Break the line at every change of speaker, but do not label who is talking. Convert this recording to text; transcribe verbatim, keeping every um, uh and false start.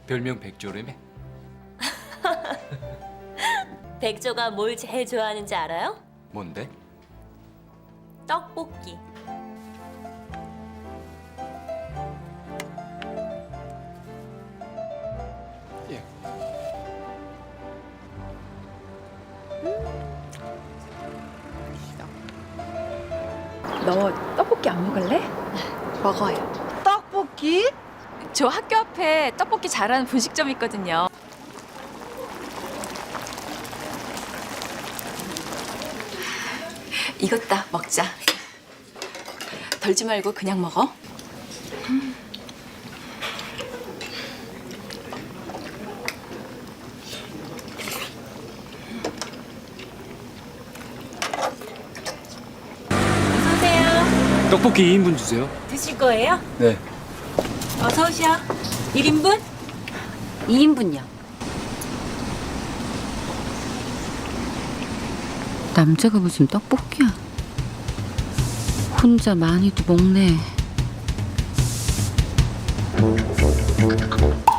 별명 백조라며?
백조가 뭘 제일 좋아하는지 알아요?
뭔데?
떡볶이.
예.
너 떡볶이 안 먹을래? 먹어요.
떡볶이?
저 학교 앞에 떡볶이 잘하는 분식점 있거든요. 익었다. 먹자. 덜지 말고 그냥 먹어.
어서 오세요.
떡볶이 이 인분 주세요.
드실 거예요?
네.
어서 오셔. 일 인분?
이 인분요. 남자가 무슨 떡볶이야? 혼자 많이도 먹네.